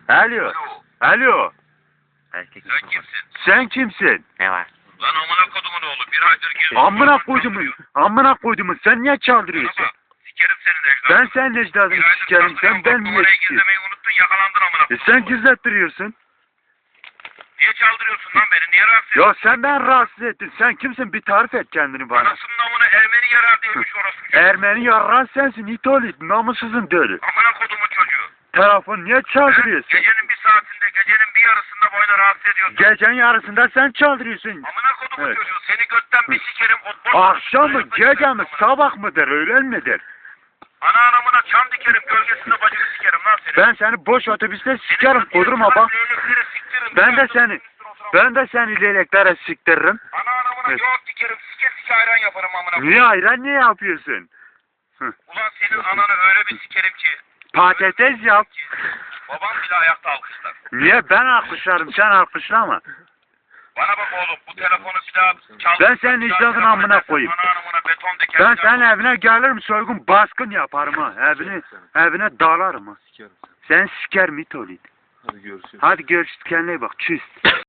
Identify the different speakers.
Speaker 1: Alo. Alo.
Speaker 2: Erkek
Speaker 3: Sen kimsin?
Speaker 1: Sen kimsin?
Speaker 2: Ne var?
Speaker 3: Lan amına kodumun oğlu. Bir aydır geziyorsun.
Speaker 1: Amına koydumun. Amına koydumun. Sen niye çaldırıyorsun?
Speaker 3: Sikerim senin ecdadını.
Speaker 1: Ben senin ecdadını sikerim. Sen ben niye
Speaker 3: Numarayı
Speaker 1: sikiyorsun?
Speaker 3: gizlemeyi unuttun, yakalandın amına kodum.
Speaker 1: Sen gizlettiriyorsun.
Speaker 3: Niye çaldırıyorsun lan beni? Niye rahatsız ediyorsun?
Speaker 1: Ya sen ben rahatsız ettin. Sen kimsin? Bir tarif et kendini bana.
Speaker 3: Anasının amına Ermeni yarar diyormuş orası.
Speaker 1: Ermeni yarran sensin. İtolit. Namussuzun dölü.
Speaker 3: Amına kodumun çocuğu.
Speaker 1: Telefon niye çaldırıyorsun?
Speaker 3: Gecenin bir saatinde, gecenin bir yarısında boyuna rahatsız ediyorsun.
Speaker 1: Gecenin yarısında sen çaldırıyorsun.
Speaker 3: Amına kodumun
Speaker 1: Evet.
Speaker 3: çocuğu. Seni götten bir sikerim.
Speaker 1: Akşam mı, gece mi, sabah mıdır, öğlen midir?
Speaker 3: Ana anamına çam dikerim, gölgesinde bacını sikerim lan seni.
Speaker 1: Ben seni boş otobüste sikerim, kudurma bak. Ben de seni leyleklere siktiririm.
Speaker 3: Ana anamına
Speaker 1: Evet.
Speaker 3: yoğurt dikerim, sike sike ayran yaparım amına.
Speaker 1: Niye ayran niye yapıyorsun?
Speaker 3: Ulan senin ananı öyle bir sikerim ki.
Speaker 1: Patates yap.
Speaker 3: Babam bile ayakta alkışlar.
Speaker 1: Niye ben alkışlarım, sen alkışlama.
Speaker 3: Bana bak oğlum, bu telefonu bir daha çal.
Speaker 1: Ben senin icradın amına koyayım.
Speaker 3: Ana anamına beton dikerim.
Speaker 1: Ben senin evine gelirim, soygun baskın yaparım ha. Evine dalarım ha.
Speaker 4: Sikerim.
Speaker 1: Sen siker mitolit.
Speaker 4: Hadi görüşürüz.
Speaker 1: Hadi görüşürüz, kendine iyi bak, çüz.